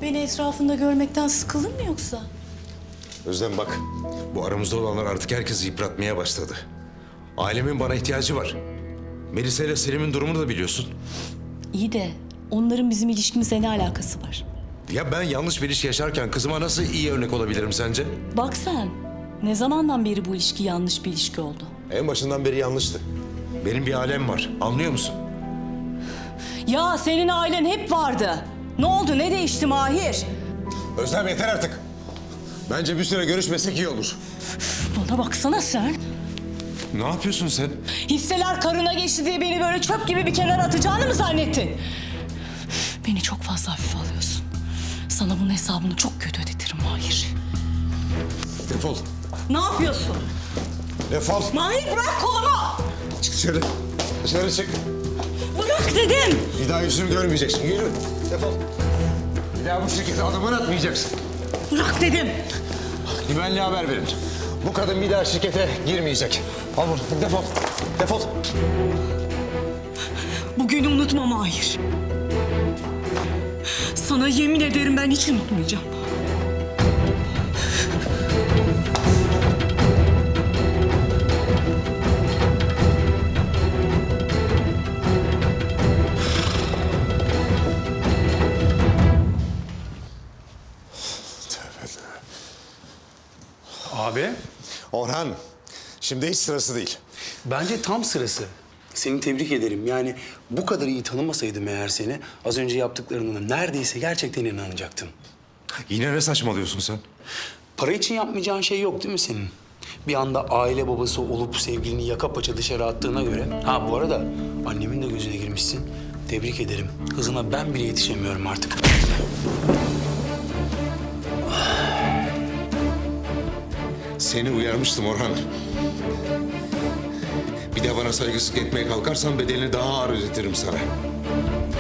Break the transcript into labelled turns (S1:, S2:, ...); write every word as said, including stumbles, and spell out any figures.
S1: Beni etrafında görmekten sıkıldın mı yoksa?
S2: Özlem bak, bu aramızda olanlar artık herkesi yıpratmaya başladı. Ailemin bana ihtiyacı var. Melisa ile Selim'in durumunu da biliyorsun.
S1: İyi de onların bizim ilişkimizle ne alakası var?
S2: Ya ben yanlış bir ilişki yaşarken kızıma nasıl iyi örnek olabilirim sence?
S1: Bak sen, ne zamandan beri bu ilişki yanlış bir ilişki oldu?
S2: En başından beri yanlıştı. Benim bir ailem var, anlıyor musun?
S1: Ya senin ailen hep vardı. Ne oldu, ne değişti Mahir?
S2: Özlem yeter artık. Bence bir süre görüşmesek iyi olur.
S1: Bana baksana sen.
S2: Ne yapıyorsun sen?
S1: Hisseler karına geçti diye beni böyle çöp gibi bir kenara atacağını mı zannettin? Beni çok fazla hafife alıyorsun. Sana bunun hesabını çok kötü ödetirim Mahir.
S2: Defol.
S1: Ne yapıyorsun?
S2: Defol.
S1: Mahir bırak kolumu!
S2: Çık dışarı. Dışarı çık.
S1: Bırak dedim!
S2: Bir daha yüzümü görmeyeceksin. Yürü. Defol. Bir daha bu şirkete adımını atmayacaksın.
S1: Bırak dedim!
S2: Güvenliğe haber verin. Bu kadın bir daha şirkete girmeyecek. Al bunu. Defol. Defol.
S1: Bugünü unutma Mahir. Sana yemin ederim ben hiç unutmayacağım.
S3: Abi,
S2: Orhan, şimdi hiç sırası değil.
S3: bence tam sırası. Seni tebrik ederim. Yani bu kadar iyi tanımasaydım eğer seni, az önce yaptıklarına neredeyse gerçekten inanacaktım.
S2: Yine ne saçmalıyorsun sen?
S3: Para için yapmayacağın şey yok değil mi senin? Bir anda aile babası olup sevgilini yaka paça dışarı attığına göre... Ha bu arada annemin de gözüne girmişsin. Tebrik ederim. Hızına ben bile yetişemiyorum artık.
S2: Seni uyarmıştım Orhan. Bir de bana saygısızlık etmeye kalkarsan bedelini daha ağır ödetirim sana.